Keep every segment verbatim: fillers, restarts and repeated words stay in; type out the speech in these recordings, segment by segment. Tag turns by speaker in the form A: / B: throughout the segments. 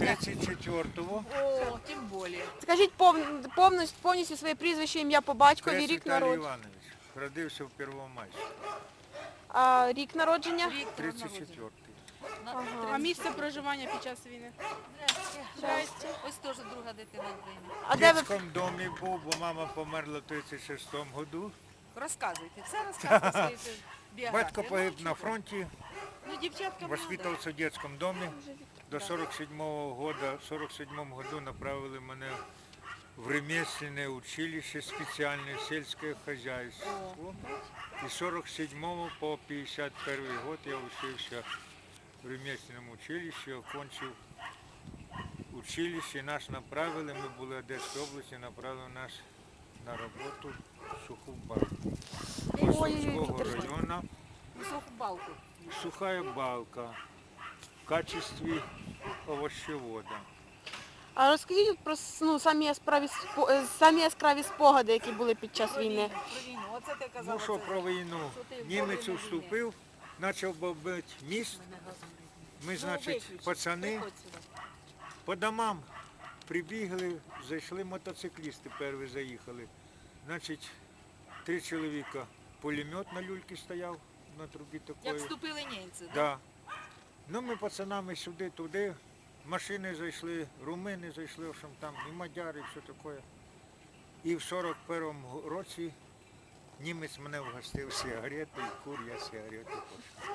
A: тридцять четвертого.
B: О, тим більше.
C: Скажіть пов... повністю, повністю своє прізвище, ім'я по батькові,
A: Крест
C: рік
A: Віталій
C: народження.
A: Іванович. Родився в Первомайську.
C: А рік народження?
B: Рік
A: тридцять четвертий.
D: А місце проживання під час війни?
B: Здрасте. Ось теж друга дитина України.
C: А
A: В
C: де ви?
A: дитячому домі був, бо мама померла в тридцять шестому году.
B: Розказуйте, все розказуйте свої біографії.
A: Батько погиб на фронті,
B: Ну, дівчатка молода.
A: воспитувався в дитячому домі. До сорок седьмого года, в сорок седьмом году направили мене в ремесленное училище специальное сельское хозяйство. И с сорок седьмого по пятьдесят первый год я учился в ремесленном училище, окончил училище, нас направили, мы были в Одесской области, направили нас на работу в Сухую Балку.
C: Ой,
A: района.
B: Високу балку.
A: Сухая балка в качестве овощевода.
C: А розкажіть от про с- ну, самі яскраві спо- е, самі яскраві спогади, які були під час
B: Про
C: війни.
B: війну, про війну. Оце ти казала.
A: Ну що
B: це-
A: про війну?
B: що ти в
A: Німець
B: війни.
A: вступив, почав бомбити міст. Ми,
B: Ну,
A: значить,
B: виключи.
A: пацани
B: Приходь сюди.
A: по домам прибігли, зайшли мотоциклісти, перші заїхали. Значить, три чоловіка, пулемет на люльці стояв на трубі
B: Як
A: такої.
B: вступили німці, да?
A: Да. Ну ми пацанами сюди-туди, машини зайшли, румини зайшли, в общем, там і мадяри, і все таке. І в сорок першому році німець мене вгостив сигарети, і кур я сигарети пошов.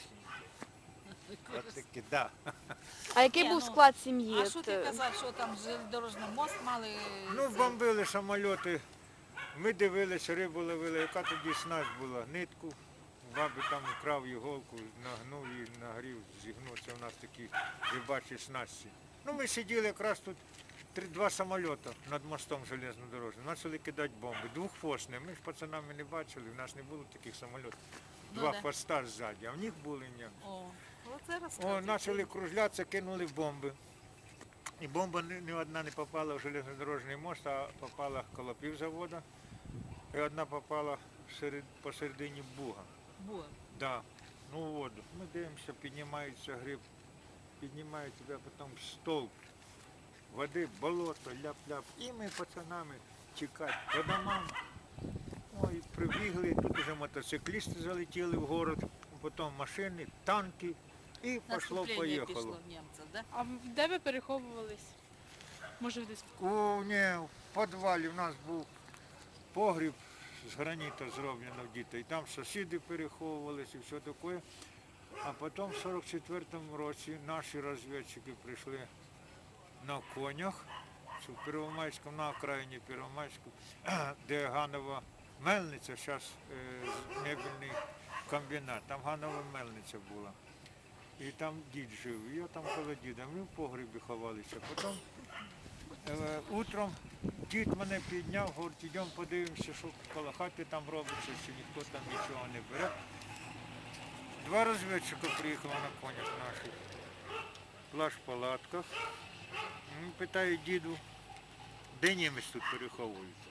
A: От таки, да.
C: А який
B: Ні,
C: був
B: ну,
C: склад сім'ї?
B: А що
C: От,
B: ти
C: е,
B: казав, що там железнодорожний мост мали?
A: Ну,
B: це-
A: бомбили самоліти. Ми дивилися, рибу ловили, яка тоді снасть була, нитку. Баби там вкрав іголку, нагнув її, нагрів, зігнув. Це у нас такі рибачі снасті. Ну, ми сиділи якраз тут три, два самоліти над мостом железнодорожним. Почали кидати бомби. Двохфосні. Ми ж пацанами не бачили, в нас не було таких самолітів.
B: Ну,
A: Два
B: да.
A: хвоста ззаді, а в них були ні.
B: О, оце
A: О,
B: розказуй.
A: почали кружлятися, кинули бомби. І бомба ні, ні одна не попала в железнодорожний мост, а попала коло півзавода. І одна попала серед, посередині буга.
B: Була.
A: Да. Ну в воду. Ми дивимося, піднімається гриб, піднімає тебе потім стовп води, болото, ляп-ляп. І ми пацанами тікати по домам. Ой, прибігли, тут вже мотоциклісти залетіли в город, потім машини, танки. І
B: Наступлення
A: пішло-поїхало.
B: пішло німця, да?
D: А де ви переховувались? Може, десь
A: У, ні, в підвалі в нас був погріб з граніту зроблено в діти. І там сусіди переховувалися і все таке. А потім в сорок четвертому році наші розвідчики прийшли на конях, в Первомайському, на окраїні Первомайську, де Ганова мельниця, зараз е, мебельний комбінат, там Ганова мельниця була. І там дід жив, і я там коло діда, ми в погребі ховалися. Потім е, утром дід мене підняв, говорить, йдемо подивимося, що коло хати там робиться, чи ніхто там нічого не бере. Два розвідчика приїхали на конях наших, плащ в палатках. Він питає діду, де німець тут переховується.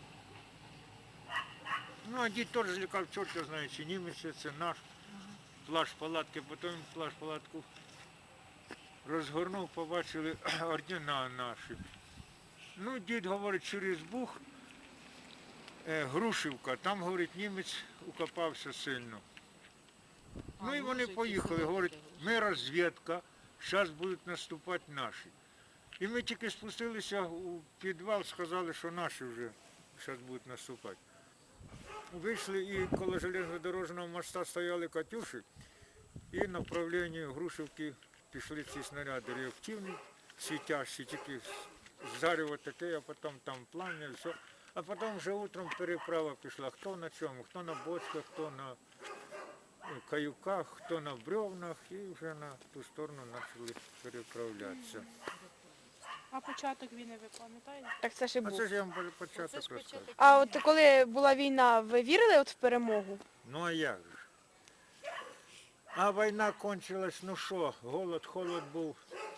A: Ну, а дід теж злякав, чорт його знає, чи німець, це наш. Плащ палатки, потім плащ палатку розгорнув, побачили ордена наші. Ну, дід говорить, через Буг, е, Грушівка, там, говорить, німець укопався сильно. Ну і вони поїхали, говорить, ми розвідка, зараз будуть наступати наші. І ми тільки спустилися у підвал, сказали, що наші вже зараз будуть наступати. Вийшли і коло железнодорожного моста стояли «Катюші», і на направленні Грушівки пішли ці снаряди реактивні, світящі, тільки зарево таке, а потім там плам'я, все. А потім вже утром переправа пішла, хто на чому, хто на бочках, хто на каюках, хто на бревнах, і вже на ту сторону почали переправлятися.
D: а початок війни ви пам'ятаєте?
C: Так це ж і
A: А
C: був.
A: це ж я вам
B: Оце
A: початок
B: ж
A: розказую.
B: початок.
C: А от коли була війна, ви вірили от в перемогу?
A: Ну а як же? А війна кончилась, ну що, голод, холод був.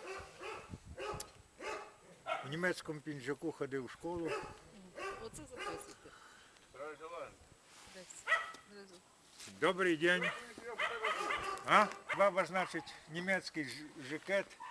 A: В німецькому пінжаку ходив в школу.
B: Оце записуйте. Десь. Внизу.
A: Добрий день. А? Баба, значить, німецький ж- жакет,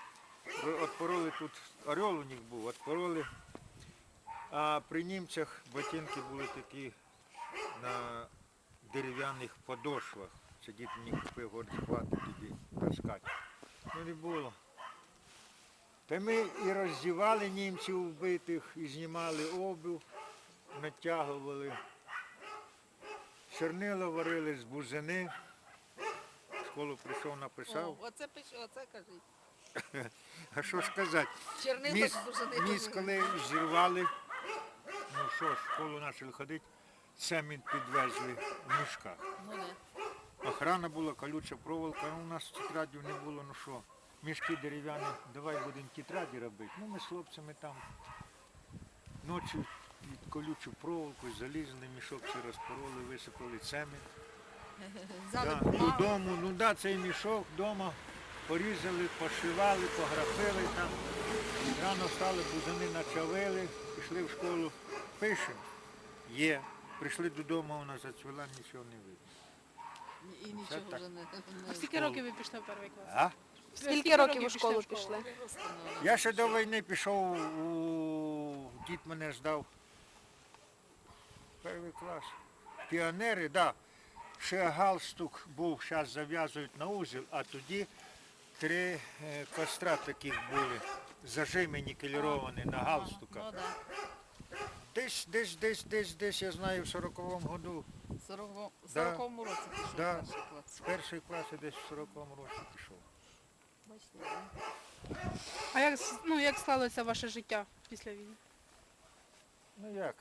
A: Отпороли тут, орел у них був, отпороли. А при німцях ботинки були такі на дерев'яних подошвах. Це дід мені купив, говорить, хватить тоді таскати. Ну не було. Та ми і роздівали німців вбитих, і знімали обув, натягували. Чорнила варили з бузини. В школу прийшов, написав.
B: О, оце пише, оце кажіть.
A: А що ж сказати?
B: Чернила
A: Міс,
B: дуже не
A: міс коли зірвали, ну що ж, в школу почали ходити, цемент підвезли в мішках.
B: Ну, не.
A: Охрана була, колюча проволока, ну, у нас тетрадів не було, ну що, мішки дерев'яні, давай будемо тетраді робити. Ну ми з хлопцями там ночі під колючу проволоку залізли, мішок ці розпороли, висипали цемент.
B: Взяли
A: Да,
B: бумагу.
A: додому, ну да, цей мішок вдома порізали, пошивали, пографили там. Рано встали, бузини начавили, пішли в школу, пишемо. Є. Прийшли додому, вона зацвіла, нічого не видно.
B: І нічого
A: так.
B: вже не, не
D: А скільки років ви пішли в перший клас?
A: А?
C: Скільки років у школу пішли?
B: встановлено.
A: Я ще до війни пішов, у... дід мене здав. Перший клас. Піонери, так. Да. Ще галстук був, зараз зав'язують на узел, а тоді три е, костра таких були, зажими нікеліровані на галстуках.
B: Ну, да.
A: Десь, десь, десь, десь, десь, я знаю, в сороковому году,
B: В сороковому
A: Да.
B: сороковому році пішов
A: Да.
B: в перший клас.
A: з першої класи десь в сороковому році пішов.
B: Бачите, да?
D: А як, с- ну, як склалося ваше життя після війни?
A: Ну як?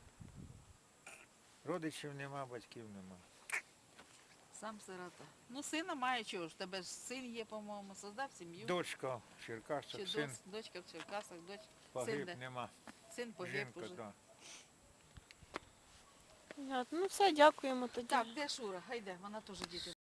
A: Родичів нема, батьків нема.
B: Сам сирота. Ну, сина має чого ж, тебе ж син є, по-моєму, создав сім'ю.
A: Дочка в
B: Чи
A: Черкасах,
B: дос-
A: син
B: дочка в Черкасах, доч... син,
A: погиб,
B: де?
A: нема.
B: син погиб
A: Жінка,
B: уже.
A: так.
C: Понятно. Ну все, дякуємо тоді.
B: Так, де Шура? Гайде, вона теж діти.